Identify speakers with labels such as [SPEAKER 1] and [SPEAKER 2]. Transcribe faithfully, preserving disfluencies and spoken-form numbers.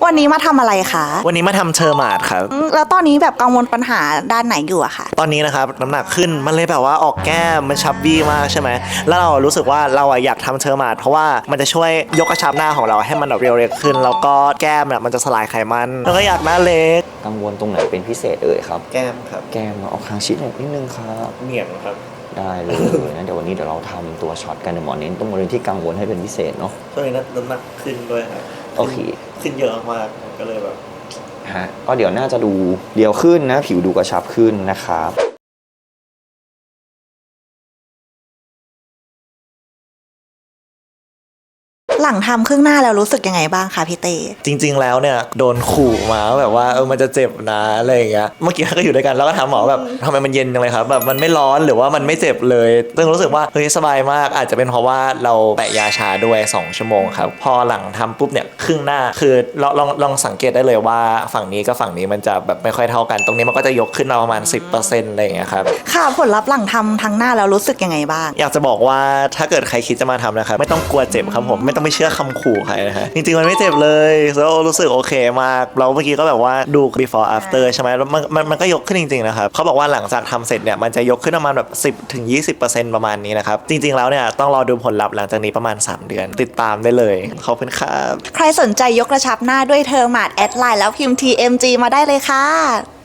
[SPEAKER 1] วันนี้มาทำอะไรคะ
[SPEAKER 2] วันนี้มาทำเชอร์มาดครับ
[SPEAKER 1] แล้วตอนนี้แบบกังวลปัญหาด้านไหนอยู่อะคะ
[SPEAKER 2] ตอนนี้นะครับน้ำหนักขึ้นมันเลยแบบว่าออกแก้มมันชับบี้มากใช่ไหมแล้วเรารู้สึกว่าเราอยากทำเชอร์มาดเพราะว่ามันจะช่วยยกกระชับหน้าของเราให้มันแบบเรียวเรียขึ้นแล้วก็แก้มเนี่ยมันจะสลายไขมันแล้วก็อยากหน้าเล็ก
[SPEAKER 3] กังวลตรงไหนเป็นพิเศษเอ่ยครับ
[SPEAKER 2] แก้มครับ
[SPEAKER 3] แก้มออกทางชิดหน่อยนิดนึงครับ
[SPEAKER 2] เหนียงครับ
[SPEAKER 3] ได้เลยนะเดี๋ยววันนี้เดี๋ยวเราทำตัวช็อตกันเดี๋ยวหมอเน้นตรงบริเวณที่กังวลให้เป็นพิเศษเนาะ
[SPEAKER 2] ตอนนี้น้ำหนักขึ้นด้วยครับ
[SPEAKER 3] โอเค
[SPEAKER 2] ขึ้นเยอะมากก็เลยแบบ
[SPEAKER 3] ฮะก็เดี๋ยวน่าจะดูเรียวขึ้นนะผิวดูกระชับขึ้นนะครับ
[SPEAKER 1] หลังทำครึ่งหน้าแล้วรู้สึกยังไงบ้างคะพี่เต้
[SPEAKER 2] จริงๆแล้วเนี่ยโดนขู่มาแบบว่าเออมันจะเจ็บนะอะไรอย่างเงี้ยเมื่อกี้ก็อยู่ด้วยกันแล้วก็ถามหมอแบบทำไมมันเย็นจังเลยครับแบบมันไม่ร้อนหรือว่ามันไม่เจ็บเลยซึ่งรู้สึกว่าเฮ้ยสบายมากอาจจะเป็นเพราะว่าเราแปะยาชาด้วยสองชั่วโมงครับพอหลังทำปุ๊บเนี่ยครึ่งหน้าคือลองลองลองสังเกตได้เลยว่าฝั่งนี้กับฝั่งนี้มันจะแบบไม่ค่อยเท่ากันตรงนี้มันก็จะยกขึ้นมาประมาณ สิบเปอร์เซ็นต์ อะไรอย่างเงี้ยครับ
[SPEAKER 1] ค่ะผลลัพธ์หลังทำทั้งหน้าแล้วรู้สึกยังไงบ้าง
[SPEAKER 2] อยากจะบอกว่าถ้าเกิดใครคิดจะมาทำนะครับไม่ต้องกลัวเจ็บครับผมไม่ต้องไปเชื่อคำขู่ใครนะฮะจริงๆมันไม่เจ็บเลยแล้วรู้สึกโอเคมากเราเมื่อกี้ก็แบบว่าดู before after ใช่ไหมแล้วมันมันมันก็ยกขึ้นจริงๆนะครับเขาบอกว่าหลังจากทำเสร็จเนี่ยมันจะยกขึ้นประมาณแบบ สิบถึงยี่สิบเปอร์เซ็นต์ ประมาณนี้นะครับจริงๆแล้วเนี่ยต้องรอดูผลลัพธ์หลังจากนี้ประมาณสามเดือนติดตามได้เลยขอบคุณครับ
[SPEAKER 1] ใครสนใจยกกระชับหน้าด้วยเทอร์มาดแอดไลน์แล้วพิมพ์ ที เอ็ม จี มาได้เลยค่ะ